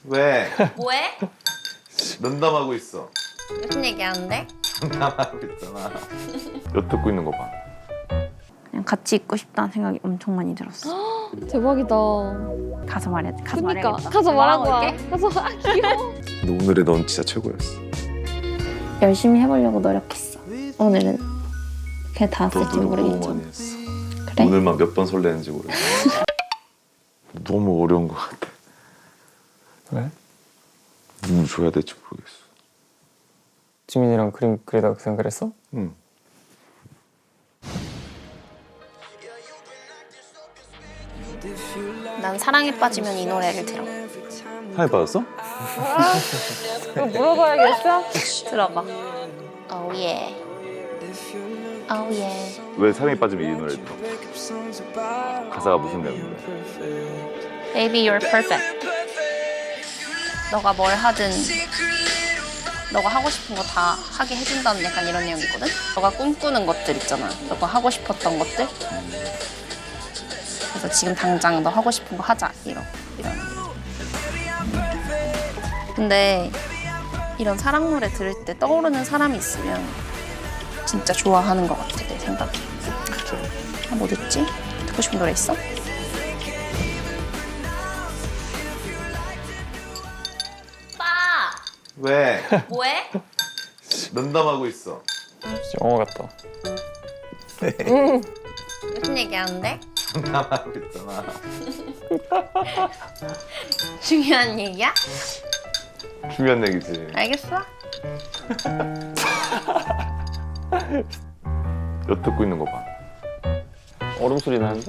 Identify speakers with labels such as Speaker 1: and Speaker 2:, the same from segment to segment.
Speaker 1: 왜?
Speaker 2: 뭐해?
Speaker 1: 농담하고 있어.
Speaker 2: 무슨 얘기하는데?
Speaker 1: 농담하고 있잖아. 엿듣고 있는 거 봐.
Speaker 2: 그냥 같이 있고 싶다는 생각이 엄청 많이 들었어.
Speaker 3: 대박이다.
Speaker 2: 가서 말해. 가서
Speaker 3: 그니까
Speaker 2: 말해야겠다.
Speaker 3: 가서 말하고 와.
Speaker 2: 올게.
Speaker 3: 가서 귀여워.
Speaker 1: 근데 오늘의 넌 진짜 최고였어.
Speaker 2: 열심히 해보려고 노력했어. 오늘은 그게 닿았을지
Speaker 1: 너도 너무
Speaker 2: 모르겠지만.
Speaker 1: 많이 했어.
Speaker 2: 그래?
Speaker 1: 오늘만 몇 번 설레는지 모르겠어. 너무 어려운 것 같아.
Speaker 4: 왜?
Speaker 1: 누구 줘야 될지 모르겠어.
Speaker 4: 지민이랑 그림 그리다가 그 생각을 했어?
Speaker 1: 응.
Speaker 2: 난 사랑에 빠지면 이 노래를 들어.
Speaker 1: 사랑에 빠졌어?
Speaker 3: 이거 물어봐야겠어?
Speaker 2: 들어봐. Oh yeah. Oh yeah.
Speaker 1: 왜 사랑에 빠지면 이 노래를 들어? 가사가 무슨 내용인데?
Speaker 2: Baby, you're perfect. 너가 뭘 하든 너가 하고 싶은 거 다 하게 해준다는 약간 이런 내용이거든? 너가 꿈꾸는 것들 있잖아. 너가 하고 싶었던 것들. 그래서 지금 당장 너 하고 싶은 거 하자. 이런. 근데 이런 사랑 노래 들을 때 떠오르는 사람이 있으면 진짜 좋아하는 것 같아, 내 생각에. 아, 뭐 듣지? 듣고 싶은 노래 있어? 오빠!
Speaker 1: 왜?
Speaker 2: 뭐해?
Speaker 1: 농담하고 있어.
Speaker 4: 진짜 영화 같다.
Speaker 2: 무슨 얘기하는데?
Speaker 1: 농담하고 있잖아.
Speaker 2: 중요한 얘기야?
Speaker 1: 중요한 얘기지.
Speaker 2: 알겠어?
Speaker 1: 엿듣고 있는 거 봐.
Speaker 4: 얼음 소리 나는데?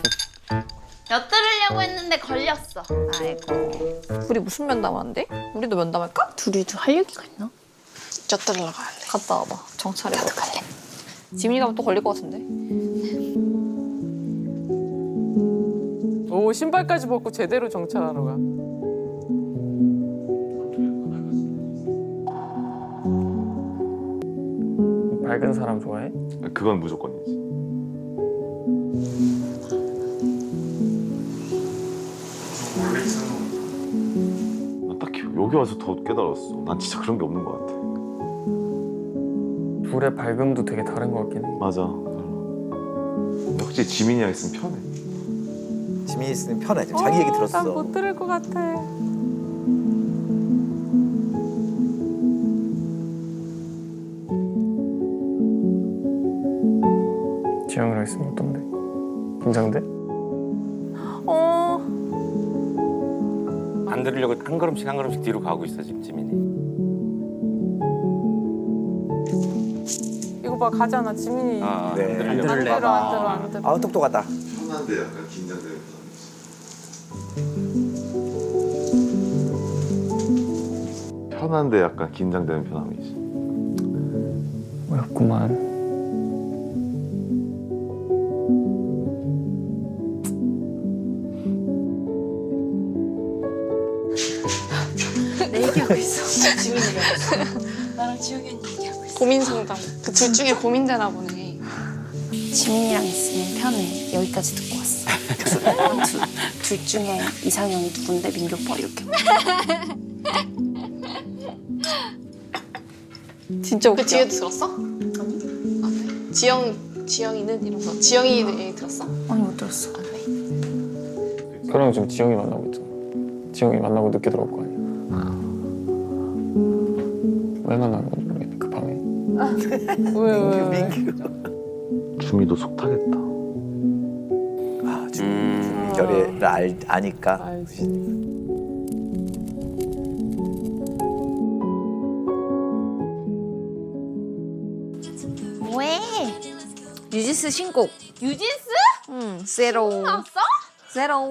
Speaker 2: 엿들으려고 했는데 걸렸어. 아이고.
Speaker 3: 우리 무슨 면담하는데? 우리도 면담할까?
Speaker 2: 둘이도 할 얘기가 있나?
Speaker 5: 엿들으러 가야 돼.
Speaker 3: 갔다 와봐. 정찰해.
Speaker 2: 나도 갈래.
Speaker 3: 지민이 가면 또 걸릴 것 같은데?
Speaker 6: 오, 신발까지 벗고 제대로 정찰하러 가.
Speaker 4: 밝은 사람 좋아해?
Speaker 1: 그건 무조건이지. 나 딱히 여기 와서 더 깨달았어. 난 진짜 그런 게 없는 것 같아.
Speaker 4: 불의 밝음도 되게 다른 것 같긴 해.
Speaker 1: 맞아. 근데 확실히 지민이랑 있으면 편해.
Speaker 7: 지민이 있으면 편해. 지금 자기 얘기 들었어.
Speaker 6: 난 못 들을 것 같아.
Speaker 4: 지영이랑 있으면 어떤데? 긴장돼?
Speaker 8: 안 들으려고 한 걸음씩 뒤로 가고 있어 지금 지민이.
Speaker 6: 이거 봐, 가잖아, 지민이.
Speaker 8: 아,
Speaker 7: 네.
Speaker 8: 안
Speaker 6: 안
Speaker 8: 들으려고.
Speaker 6: 들어, 안 들어, 안 들어.
Speaker 7: 아우 똑똑하다.
Speaker 1: 편한데 약간 긴장되는 편함이지. 편한데 약간 긴장되는 편함이지.
Speaker 4: 어렵구만.
Speaker 5: 내 얘기하고 있어. 지민이 얘기하고 있어. 나랑 지영이 언니 얘기하고 있어. 고민 상담. 그 둘 중에 고민되나 보네.
Speaker 2: 지민이랑 있으면 편해. 여기까지 듣고 왔어. 둘 중에 이상형이 누군데 민규 오빠 이렇게.
Speaker 3: 진짜 웃겨.
Speaker 5: 그 뒤에도 들었어? 아니. 아, 그래? 지영이는 이러면서 지영이 얘기 들었어?
Speaker 2: 아니 못 들었어.
Speaker 5: 아, 그래?
Speaker 4: 그럼 지금 지영이 만나고 있잖아. 지영이 만나고 늦게 들어올 거 아니야. 왜 만나는 건지 모르겠네, 그 밤에.
Speaker 6: 왜?
Speaker 1: 주미도 속 타겠다.
Speaker 7: 아, 지민 결의를 아니까.
Speaker 6: 알지.
Speaker 2: 뭐해? 유지스 신곡. 유지스? 응. 세로. 나왔어? 세로.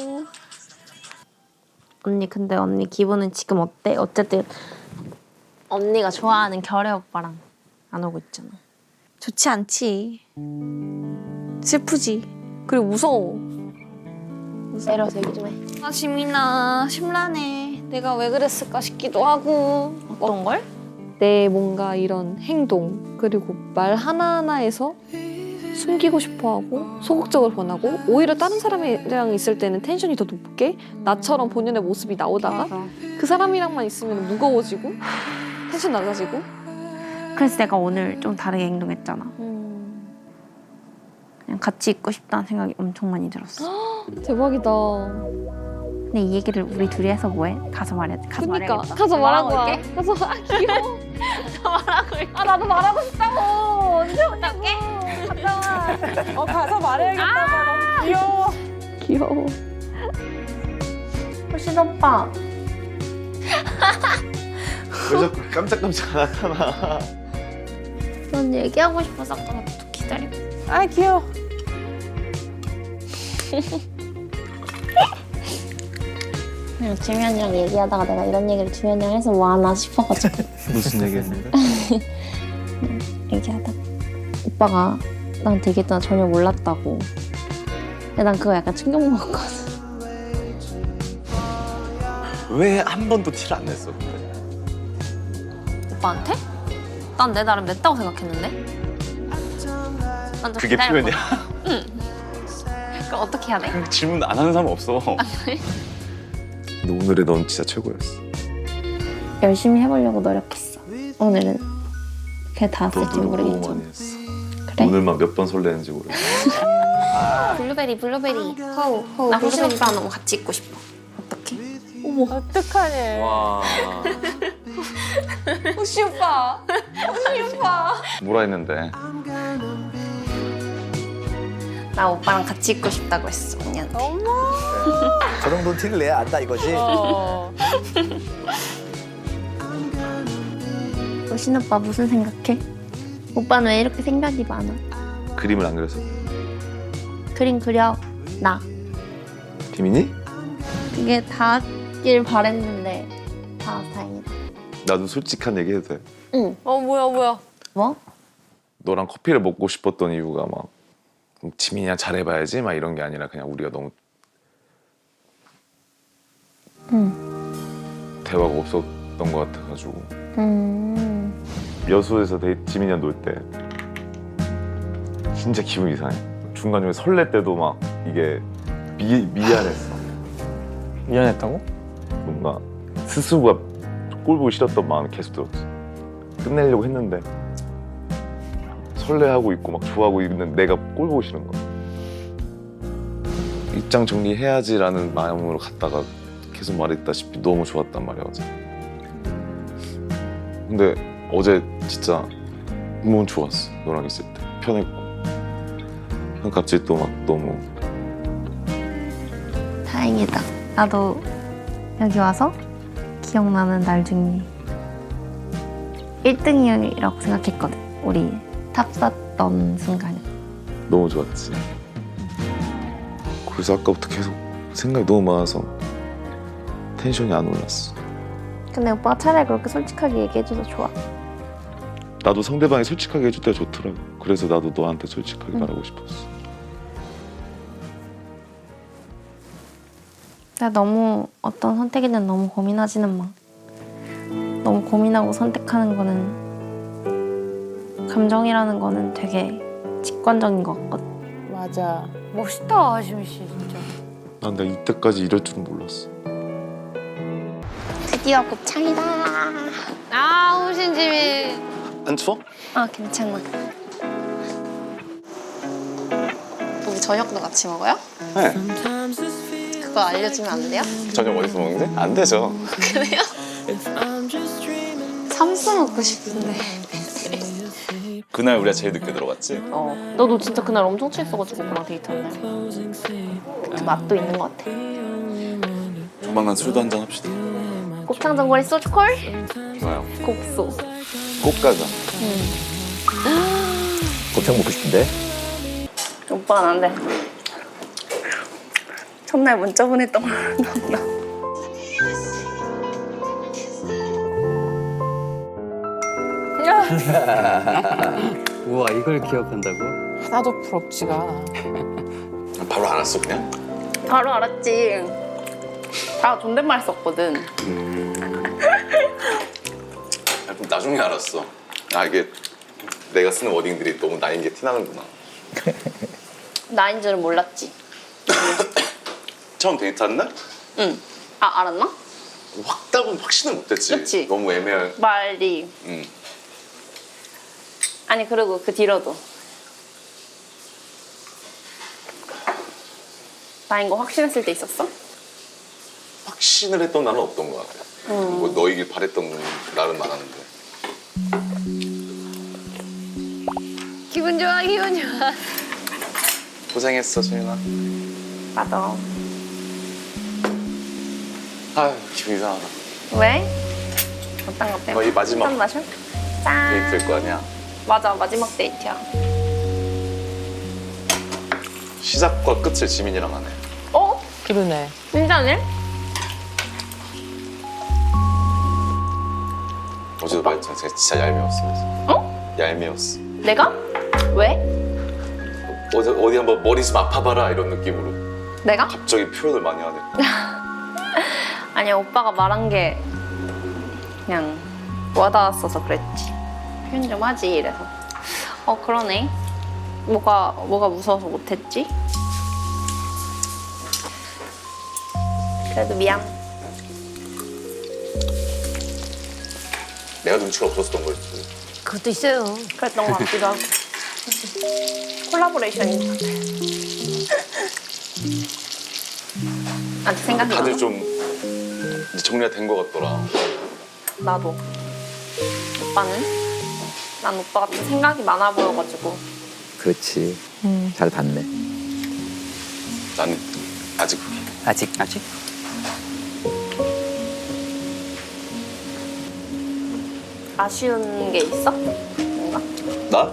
Speaker 2: 언니 근데 언니 기분은 지금 어때? 어쨌든 언니가 좋아하는 결혜 오빠랑 안 오고 있잖아.
Speaker 3: 좋지 않지. 슬프지. 그리고 무서워.
Speaker 2: 세로 얘기 좀 해.
Speaker 3: 아, 지민아, 심란해. 내가 왜 그랬을까 싶기도 하고.
Speaker 2: 어떤 걸?
Speaker 3: 내 뭔가 이런 행동, 그리고 말 하나하나에서 숨기고 싶어하고 소극적으로 변하고 오히려 다른 사람이랑 있을 때는 텐션이 더 높게 나처럼 본연의 모습이 나오다가 그 사람이랑만 있으면 무거워지고 텐션 낮아지고.
Speaker 2: 그래서 내가 오늘 좀 다르게 행동했잖아. 그냥 같이 있고 싶다는 생각이 엄청 많이 들었어.
Speaker 3: 대박이다.
Speaker 2: 근데 이 얘기를 우리 둘이 해서 뭐해? 가서 말해. 가서
Speaker 3: 그러니까
Speaker 2: 말해야겠다.
Speaker 3: 가서 말하고 와.
Speaker 2: 올게.
Speaker 3: 가서 귀여워.
Speaker 2: 말하고 올게.
Speaker 3: 아 나도 말하고 싶다고. 언제
Speaker 2: 어떡해?
Speaker 6: 가서 말해야겠다. 너무 귀여워.
Speaker 3: 귀여워.
Speaker 2: 훨씬 오빠.
Speaker 1: 왜 자꾸 깜짝깜짝 나타나?
Speaker 2: 넌 얘기하고 싶어서 아까부터 기다리고.
Speaker 6: 아 귀여워.
Speaker 2: 그냥 지면이랑 얘기하다가 내가 이런 얘기를 지면이랑 해서 뭐 하나 싶어가지고
Speaker 1: 무슨 얘기했는데?
Speaker 2: 얘기하다가 오빠가 나한테 얘기했잖아. 전혀 몰랐다고. 근데 난 그거 약간 충격 먹었거든.
Speaker 1: 왜 한 번도 티를 안 냈어? 근데?
Speaker 2: 오빠한테? 난 내 나름 냈다고 생각했는데. 난좀
Speaker 1: 그게 표현이야?
Speaker 2: 그럼 어떻게 해야 돼?
Speaker 1: 질문 안 하는 사람 없어. 근데 오늘의 넌 진짜 최고였어.
Speaker 2: 열심히 해보려고 노력했어. 오늘은 그게 다
Speaker 1: 너
Speaker 2: 쓸지
Speaker 1: 노력 너무
Speaker 2: 모르겠지만.
Speaker 1: 많이 했어.
Speaker 2: 그래?
Speaker 1: 오늘만 몇 번 설레는지 모르겠어.
Speaker 2: 블루베리. 나 호신 오빠랑 너무 같이 있고 싶어. 어떡해?
Speaker 6: 어떡하니.
Speaker 8: 와.
Speaker 3: 호시 오빠. 호시 오빠.
Speaker 1: 뭐라 했는데?
Speaker 2: 나 오빠랑 같이 있고 싶다고 했어 언니한테.
Speaker 7: 저 정도는 티를 내야 안다 이거지.
Speaker 2: 호신 오빠 무슨 생각해? 오빠는 왜 이렇게 생각이 많아?
Speaker 1: 그림을 안 그려서?
Speaker 2: 그림 그려. 나.
Speaker 1: 비민이?
Speaker 2: 그게 닿길 바랬는데 닿아서 다행이다.
Speaker 1: 나도 솔직한 얘기 해도 돼.
Speaker 2: 응.
Speaker 3: 뭐야.
Speaker 2: 뭐?
Speaker 1: 너랑 커피를 먹고 싶었던 이유가 막 지민이랑 잘해봐야지 막 이런 게 아니라 그냥 우리가 너무 대화가 없었던 것 같아가지고 여수에서 지민이랑 놀 때 진짜 기분이 이상해. 중간중간 설렐 때도 막 이게 미안했어.
Speaker 4: 미안했다고?
Speaker 1: 뭔가 스스로가 꼴 보기 싫었던 마음이 계속 들었지. 끝내려고 했는데 설레하고 있고 막 좋아하고 있는 내가 꼴 보기 싫은 거야. 입장 정리해야지라는 마음으로 갔다가 계속 말했다시피 너무 좋았단 말이야 어제. 근데 어제 진짜 너무 좋았어. 너랑 있을 때 편했고. 갑자기 또 막 너무
Speaker 2: 다행이다. 나도 여기 와서 기억나는 날 중에 1등이라고 생각했거든. 우리 탑 쌌던 순간이.
Speaker 1: 너무 좋았지. 그래서 아까부터 계속 생각이 너무 많아서 텐션이 안 올랐어.
Speaker 2: 근데 오빠가 차라리 그렇게 솔직하게 얘기해줘서 좋아.
Speaker 1: 나도 상대방이 솔직하게 해줄 때가 좋더라고. 그래서 나도 너한테 솔직하게 말하고 싶었어.
Speaker 2: 나 너무 어떤 선택이든 너무 고민하지는 마. 너무 고민하고 선택하는 거는 감정이라는 거는 되게 직관적인 것 같거든.
Speaker 6: 맞아.
Speaker 3: 멋있다 하시미 씨 진짜.
Speaker 1: 난 내가 이때까지 이럴 줄은 몰랐어.
Speaker 2: 드디어 곱창이다.
Speaker 3: 아 호신지미.
Speaker 1: 안 추워?
Speaker 2: 아 괜찮아. 우리 저녁도 같이 먹어요?
Speaker 1: 네.
Speaker 2: 그거 알려주면 안 돼요?
Speaker 1: 저녁 어디서 먹는데? 안 되죠.
Speaker 2: 그래요? 삼수 먹고 싶은데.
Speaker 1: 그날 우리가 제일 늦게 들어갔지?
Speaker 2: 너도 진짜 그날 엄청 취했어가지고 그랑 데이트한 날. 그 맛도 있는 것 같아.
Speaker 1: 조만간 술도 한잔 합시다.
Speaker 2: 곱창 전골에 소주콜?
Speaker 1: 좋아요.
Speaker 2: 곡소.
Speaker 1: 꼭 가자.
Speaker 7: 곱창 먹고 싶은데.
Speaker 2: 오빠는 안 돼. 첫날 문자 보냈던 걸 나.
Speaker 9: 우와 이걸 기억한다고?
Speaker 6: 하나도 부럽지가 않아.
Speaker 1: 바로 알았어 그냥?
Speaker 2: 바로 알았지. 다 존댓말 썼거든.
Speaker 1: 나중에 알았어. 아 이게 내가 쓰는 워딩들이 너무 나인 게 티나는구나.
Speaker 2: 나인 줄은 몰랐지.
Speaker 1: 처음 데이트한 날?
Speaker 2: 응. 아, 알았나?
Speaker 1: 확답은 확신을 못했지.
Speaker 2: 그치?
Speaker 1: 너무 애매한.
Speaker 2: 말이. 아니, 그리고 그 뒤로도. 나인 거 확신했을 때 있었어?
Speaker 1: 확신을 했던 날은 없던 것 같아. 뭐 너이길 바랬던 날은 많았는데.
Speaker 3: 기분 좋아, 기분 좋아.
Speaker 1: 고생했어, 소윤아.
Speaker 2: 맞아.
Speaker 1: 아, 기분 이상하다.
Speaker 2: 왜? 어떤 것 때문에?
Speaker 1: 거의 마지막
Speaker 2: 한 마셔? 짠.
Speaker 1: 데이트일 거 아니야.
Speaker 2: 맞아, 마지막 데이트야.
Speaker 1: 시작과 끝을 지민이랑 하네.
Speaker 2: 어?
Speaker 6: 그러네.
Speaker 2: 진짜네?
Speaker 1: 어제도 말했잖아. 제가 진짜 얄미웠어. 그래서.
Speaker 2: 어?
Speaker 1: 얄미웠어.
Speaker 2: 내가? 왜?
Speaker 1: 어제 어디 한번 머리 좀 아파봐라 이런 느낌으로.
Speaker 2: 내가?
Speaker 1: 갑자기 표현을 많이 하네.
Speaker 2: 아니야, 오빠가 말한 게 그냥 와닿았어서 그랬지. 표현 좀 하지, 이래서. 그러네. 뭐가 무서워서 못했지? 그래도 미안.
Speaker 1: 내가 눈치가 없었던 거였지.
Speaker 3: 그것도 있어요.
Speaker 2: 그랬던 것 같기도 하고. 콜라보레이션인 것 같아. 아직 생각이
Speaker 1: 다들
Speaker 2: 나.
Speaker 1: 좀 이제 정리가 된 것 같더라.
Speaker 2: 나도. 오빠는? 난 오빠가 좀 생각이 많아 보여가지고.
Speaker 7: 그렇지. 잘 봤네.
Speaker 1: 난 아직
Speaker 9: 아직
Speaker 2: 아쉬운 게 있어? 뭔가?
Speaker 1: 나?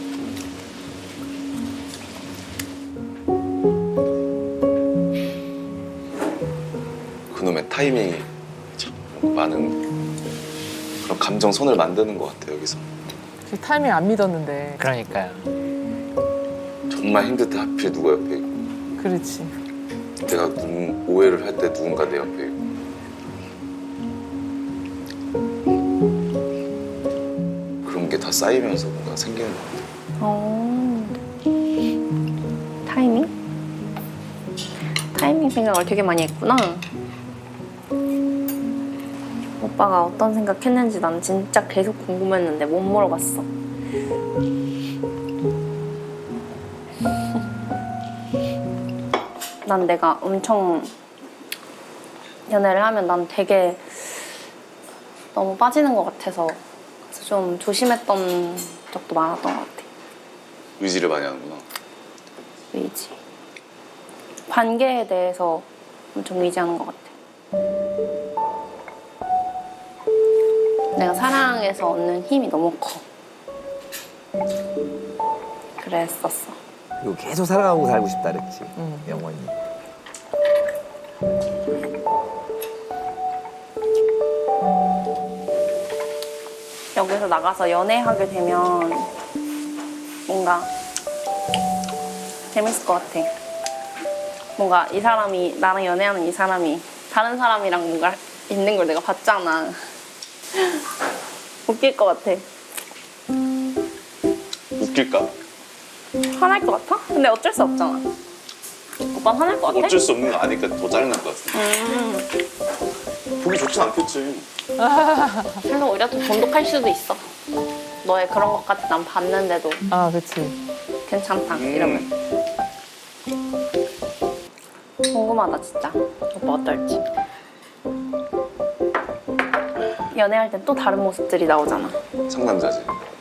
Speaker 1: 그놈의 타이밍이 참 많은 그런 감정선을 만드는 것 같아 여기서.
Speaker 6: 그 타이밍 안 믿었는데.
Speaker 9: 그러니까요.
Speaker 1: 정말 힘들 때 하필 누가 옆에 있고
Speaker 6: 그렇지.
Speaker 1: 내가 오해를 할 때 누군가 내 옆에 있고 그런 게 다 쌓이면서 뭔가 생기는 것 같아.
Speaker 2: 타이밍? 타이밍 생각을 되게 많이 했구나. 오빠가 어떤 생각했는지 난 진짜 계속 궁금했는데 못 물어봤어. 난 내가 엄청 연애를 하면 난 되게 너무 빠지는 것 같아서 그래서 좀 조심했던 적도 많았던 것 같아.
Speaker 1: 의지를 많이 하는구나.
Speaker 2: 의지. 관계에 대해서 엄청 의지하는 것 같아. 내가 사랑에서 얻는 힘이 너무 커. 그랬었어.
Speaker 7: 그리고 계속 사랑하고 살고 싶다 그랬지. 영원히.
Speaker 2: 여기서 나가서 연애하게 되면 뭔가 재밌을 것 같아. 뭔가 이 사람이 나랑 연애하는 이 사람이 다른 사람이랑 뭔가 있는 걸 내가 봤잖아. 웃길 것 같아.
Speaker 1: 웃길까?
Speaker 2: 화날 것 같아? 근데 어쩔 수 없잖아. 오빠는 화날 것 같아?
Speaker 1: 어쩔 수 없는 거 아니까 더 짜증날 것 같아. 보기 좋진 않겠지.
Speaker 2: 그래서 오히려 더 돈독할 수도 있어. 너의 그런 것까지 난 봤는데도
Speaker 6: 아, 그렇지.
Speaker 2: 괜찮다 이러면. 궁금하다 진짜. 오빠 어떨지. 연애할 땐 또 다른 모습들이 나오잖아.
Speaker 1: 상남자지.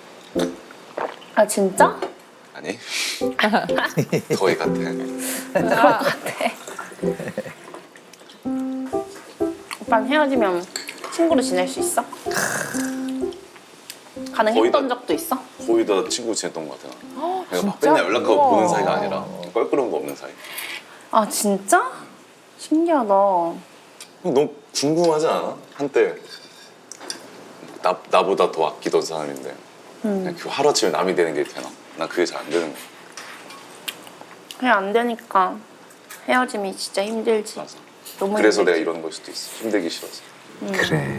Speaker 2: 아 진짜?
Speaker 1: 아니? 거의 같아.
Speaker 2: 그럴 것 같아. 오빠는 헤어지면 친구로 지낼 수 있어? 가능했던 적도 있어?
Speaker 1: 거의 다 친구 지냈던 것 같아. 내가 막
Speaker 6: 진짜?
Speaker 1: 맨날 연락하고
Speaker 6: 우와.
Speaker 1: 보는 사이가 아니라 껄끄러운 거 없는 사이.
Speaker 2: 아 진짜? 신기하다.
Speaker 1: 너무 궁금하지 않아? 한때 나보다 더 아끼던 사람인데 그냥 그 하루아침에 남이 되는 게 되나? 난 그게 잘 안 되는 거야.
Speaker 2: 그냥 안 되니까 헤어짐이 진짜 힘들지.
Speaker 1: 맞아.
Speaker 2: 너무
Speaker 1: 그래서
Speaker 2: 힘들지.
Speaker 1: 내가 이러는 걸 수도 있어. 힘들기 싫어서.
Speaker 7: 그래.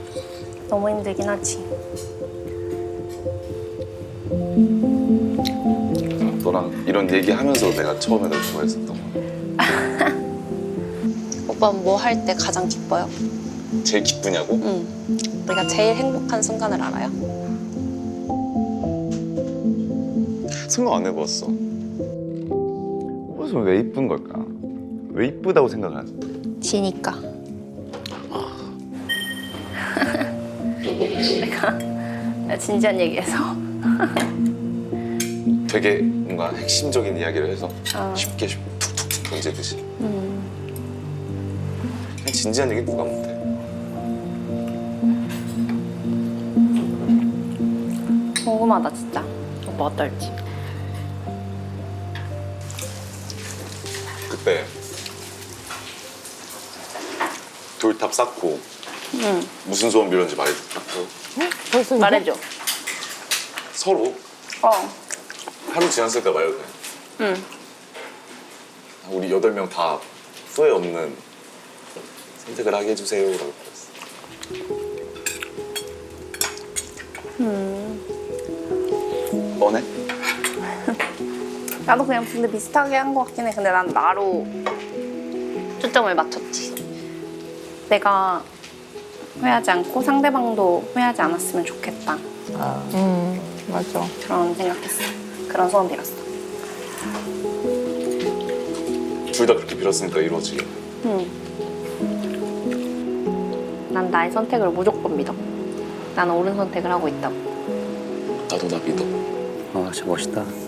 Speaker 2: 너무 힘들긴 하지.
Speaker 1: 너랑 이런 얘기하면서 내가 처음에 널 좋아했었던 거야.
Speaker 2: 오빠 뭐 할 때 가장 기뻐요?
Speaker 1: 제일 기쁘냐고?
Speaker 2: 응. 내가 제일 행복한 순간을 알아요?
Speaker 1: 생각 안 해봤어. 그래서 왜 이쁜 걸까? 왜 이쁘다고 생각하지?
Speaker 2: 지니까. 내가 진지한 얘기해서.
Speaker 1: 되게 뭔가 핵심적인 이야기를 해서
Speaker 2: 어.
Speaker 1: 쉽게 툭툭툭 던지듯이. 그냥 진지한 얘기 누가 못해.
Speaker 2: 궁금하다 진짜. 오빠 어떨지.
Speaker 1: 그때 돌탑 쌓고
Speaker 2: 응.
Speaker 1: 무슨 소원 빌었는지 말해줄까?
Speaker 6: 벌써 이거?
Speaker 2: 말해줘.
Speaker 1: 서로
Speaker 2: 어.
Speaker 1: 하루 지났을까 말해도 돼.
Speaker 2: 응.
Speaker 1: 우리 8명 다 후회 없는 선택을 하게 해주세요 라고 그랬어. 뻔해?
Speaker 2: 나도 그냥 근데 비슷하게 한 것 같긴 해. 근데 난 나로 초점을 맞췄지. 내가 후회하지 않고 상대방도 후회하지 않았으면 좋겠다.
Speaker 6: 맞아.
Speaker 2: 그런 생각했어. 그런 소원 빌었어.
Speaker 1: 둘 다 그렇게 빌었으니까 이루어지게.
Speaker 2: 난 나의 선택을 무조건 믿어. 나는 옳은 선택을 하고 있다고.
Speaker 1: 나도 나 믿어.
Speaker 9: 아, 진짜 멋있다.